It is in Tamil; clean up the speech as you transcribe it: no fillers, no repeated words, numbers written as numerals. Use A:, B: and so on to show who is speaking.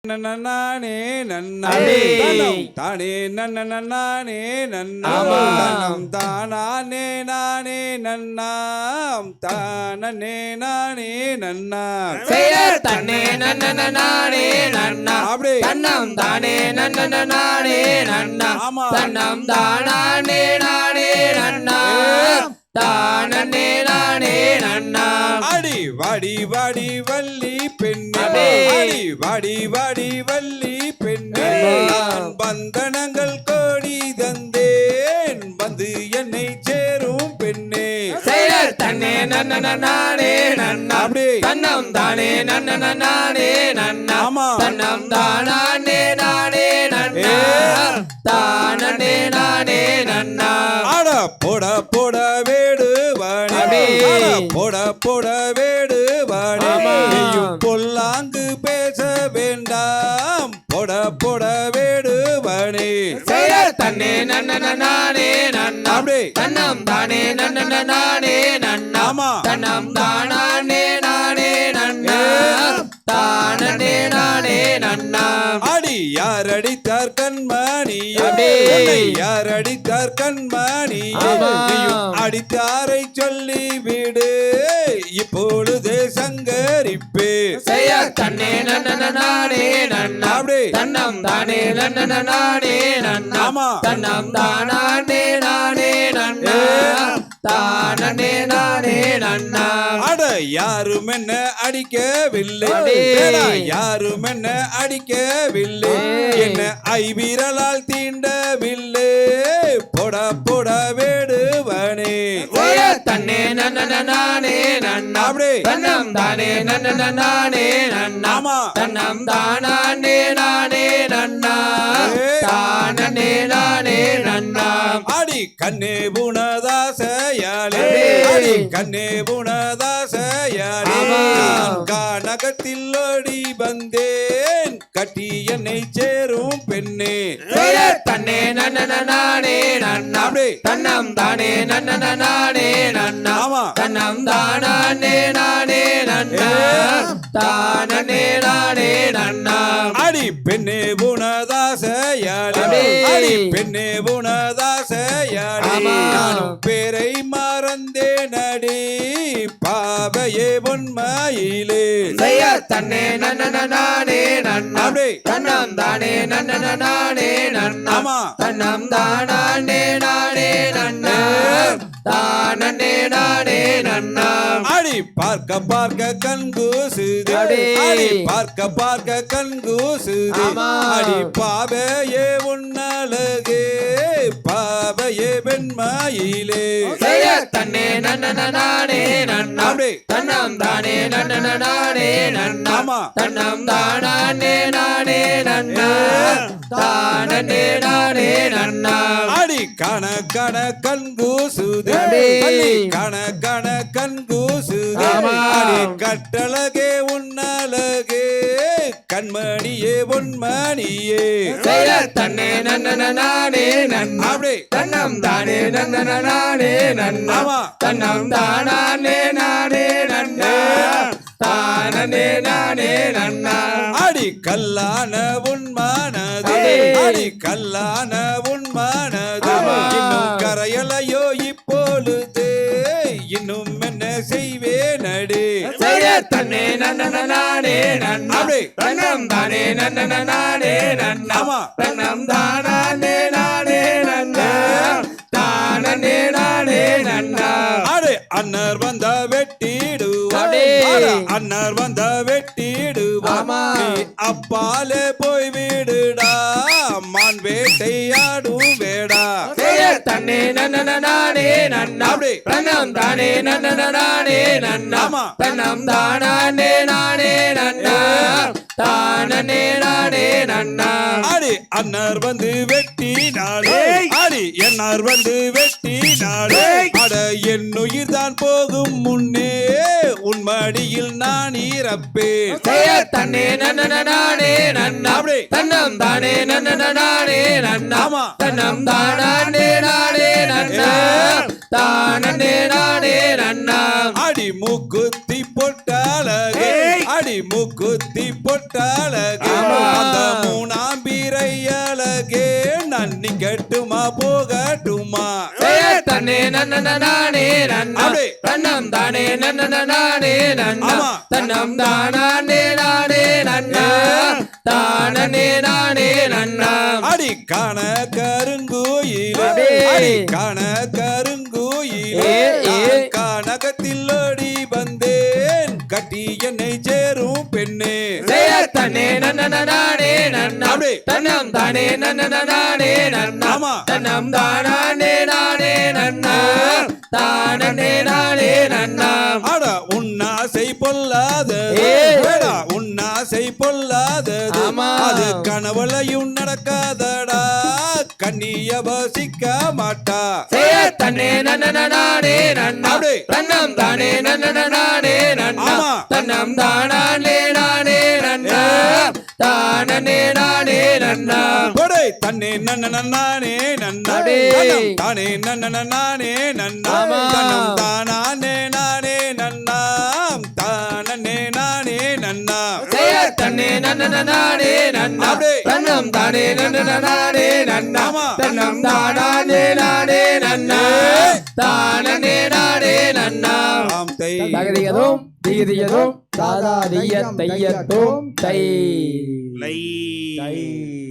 A: நானே நன்னா தானே நன்னே நன்னம் தானே நானே நன்னாம் தானே நானே நன்னா
B: தன்னே நானே நன்னா
A: அப்படி
B: தன்னம் தானே நானே நன்னா தன்னம் தானே நானே நன்னா தானே நானே நன்னா
A: அடி வாடி வாடி வள்ளி பெண்ணே அடி வாடி வாடி வள்ளி பெண்ணே நான் பந்தனங்கள் கோடி தந்தேன் வந்து என்னை சேரும் பெண்ணே
B: தன்னே நானே நன்னா
A: அப்படி
B: தன்னம் தானே நானே நன்னா தன்னம் தானே நானே நன்னா தானே நானே நன்னா
A: அட போட போட வேடு வாணி போட போட வேடு வாணி பொல்லாங்கு பேச வேண்டாம் போட போட வேடு வாணி
B: தன்னே நானே நன்னா
A: அப்படி
B: தன்னம் தானே நானே நன்னா தன்னம் தானே நானே நன்னா தானே நானே நன்னா
A: அடி யார் அடித்தார் கண்மணி யார் அடித்தார் கண்மணி அடித்தாரை சொல்லி விடு இப்பொழுது சங்கரிப்பு
B: தன்னே நானே நன்னா
A: அப்படி
B: தன்னம் தானே நானே நன்னா தன்னம் தானே நானே நன்னா தானே நானே நன்னா
A: அட யாரும் என்ன அடிக்கவில்லை யாரும் என்ன அடிக்கவில்லை என்ன ஐவிரலால் தீண்டவில்லை போட போட வேடுவனே
B: தன்னே நானே நன்னா
A: அப்படி
B: தன்னம் தானே நானே நன்னா தன்னம் தானே நானே நன்னா தானே நானே நன்னா
A: அடி கண்ணே புனதாசையாளே அடி கண்ணே புனதாசையாளே நான் கானகத்தில் ஓடி வந்தேன் கட்டி என்னை சேரும் பெண்ணே
B: தன்னே நானே நன்னா
A: அப்படி
B: தன்னம் தானே நானே நன்னா தன்னம் தானே நானே நன்னா தானே நானே நன்னா
A: அடி பெண்ணே புனதாசையாளே அடி பெண்ணே புனதாசையாளே நானும் பேரை மறந்தேன் அடி பாவையே பொன்மையிலே
B: தன்னே நானே நன்னா
A: அப்படி
B: தன்னம் தானே நானே நன்னா தன்னம் தானே நானே நன்னா தானே நானே நன்னா
A: அடி பார்க்க பார்க்க கண்கூசுது அடி பார்க்க பார்க்க கண்கூசுது அடி பாவையே உன்னழகே பாவையே வெண்மையிலே
B: தன்னே நானே நன்னா
A: அப்படி
B: தன்னம் தானே நானே நன்னா தன்னம் தானே நானே நன்னா தானே நானே நன்னா
A: அடி கண கண கண்கூசுது அடி கண கண கண்கூசுது அடி கட்டழகே உன்னழகே கண்மணியே பொன்மணியே
B: தன்னே நானே நன்னா
A: அப்படி
B: தன்னம் தானே நானே நன்னா தன்னம் தானே நானே நன்னா தானே நானே நன்னா
A: அடி கல்லான உன்மானது அடி கல்லான உன்மானது இன்னும் கரையலையோ இப்பொழுது இன்னும் என்ன செய்வேன் அடி
B: தன்னே நானே நன்னா தன்னம் தானே நானே நன்னா தன்னம் தானே நானே நன்னா தானே நானே நன்னா
A: அடி அண்ணர் வந்த வெட்டிடுவார் அண்ணர் வந்த வெட்டிடுவார் நீ அப்பாலே போய் விடுடா மான் வேட்டையாடும் வேடா
B: தன்னே நானே நன்னா
A: அப்படி
B: தன்னம் தானே நானே நன்னா தன்னம் தானே நானே நன்னா தானே நானே நன்னா
A: அடி அண்ணர் வந்து வெட்டினாலே அடி என்னார் வந்து வெட்டினாலே அட என் உயிர் தான் போகும் முன்னே உன் மடியில் நான் இறப்பேன்
B: தன்னே நானே நன்னா
A: அப்படி
B: தன்னம் தானே நானே நன்னா தன்னம் தானே நானே நன்னா தானே நானே நன்னா
A: அடி மூக்குத்தி பொட்டாளகே அடி மூக்குத்தி பொட்டாளகே போகட்டுமா
B: தன்னே நன்னே நன்னா தன்னம் தானே நன்னே நன்னா தன்னம் தானே நானே நன்னா தானே நானே நன்னா
A: அடி காண கருங்கோயிலே அடி காண கருங்கோயிலே கானகத்தில் ஓடி வந்தேன் கட்டி என்னை சேரும் பெண்ணே
B: தன்னே நன்னே நன்னா தன்னம் தானே நன்னே நன்னா தன்னம் தானே நானே நன்னா தானே நானே நன்னா
A: அட உன்னாசை பொல்லாதது உன்னாசை பொல்லாதது அது கனவுலையும் நடக்காதடா கண்ணிய வசிக்க மாட்டா
B: தன்னே நன்னே நன்னா தன்னம் தானே நன்னே நன்னா தன்னம் தானே நானே நன்னா தானே நானே நன்னா
A: கொடை தன்னே நன்னே நன்னா தானே நன்னே நன்னா தன்னம் தானே நானே நன்னா தானே நானே நன்னா
B: தன்னே நன்னே நன்னா தன்னம் தானே நன்னே நன்னா தன்னம் தானே நானே நன்னா தானே நானே நன்னா தகதியதும் திகதியதும் தாதா திய தையத்தும் தை